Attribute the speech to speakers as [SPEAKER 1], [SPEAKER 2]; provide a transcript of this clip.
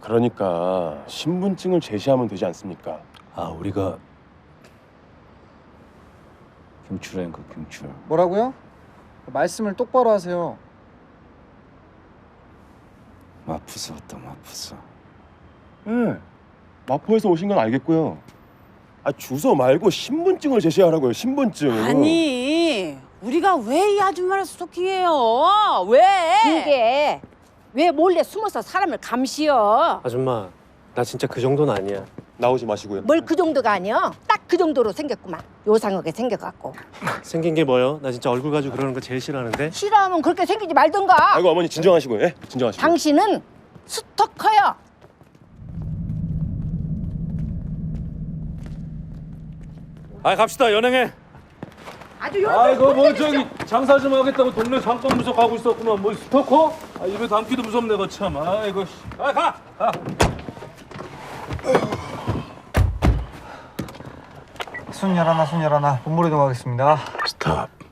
[SPEAKER 1] 그러니까 신분증을 제시하면 되지 않습니까?
[SPEAKER 2] 아, 우리가 경출인가 경출.
[SPEAKER 3] 뭐라고요? 말씀을 똑바로 하세요.
[SPEAKER 2] 마푸사 왔다 마푸사.
[SPEAKER 1] 네. 마포에서 오신 건 알겠고요. 아, 주소 말고 신분증을 제시하라고요. 신분증.
[SPEAKER 4] 아니, 우리가 왜 이 아줌마를 스토킹해요? 왜?
[SPEAKER 5] 이게 왜 몰래 숨어서 사람을 감시여?
[SPEAKER 6] 아줌마, 나 진짜 그 정도는 아니야.
[SPEAKER 1] 나오지 마시고요.
[SPEAKER 5] 뭘 그 정도가 아니여? 딱 그 정도로 생겼구만. 요상하게 생겨갖고.
[SPEAKER 6] 생긴 게 뭐요? 나 진짜 얼굴 가지고 그러는 거 제일 싫어하는데.
[SPEAKER 5] 싫어하면 그렇게 생기지 말던가.
[SPEAKER 1] 아이고 어머니 진정하시고요. 예? 진정하시고.
[SPEAKER 5] 당신은 스토커여.
[SPEAKER 6] 아, 갑시다 연행해.
[SPEAKER 5] 아주
[SPEAKER 7] 아이고 뭐 저기 장사 좀 하겠다고 동네 상권부서 가고 있었구만. 뭐 스토커? 아 입에 담기도 무섭네 거 참. 아이고. 아 가. 가.
[SPEAKER 3] 순 열하나 본부로 이동하겠습니다.
[SPEAKER 2] 스탑.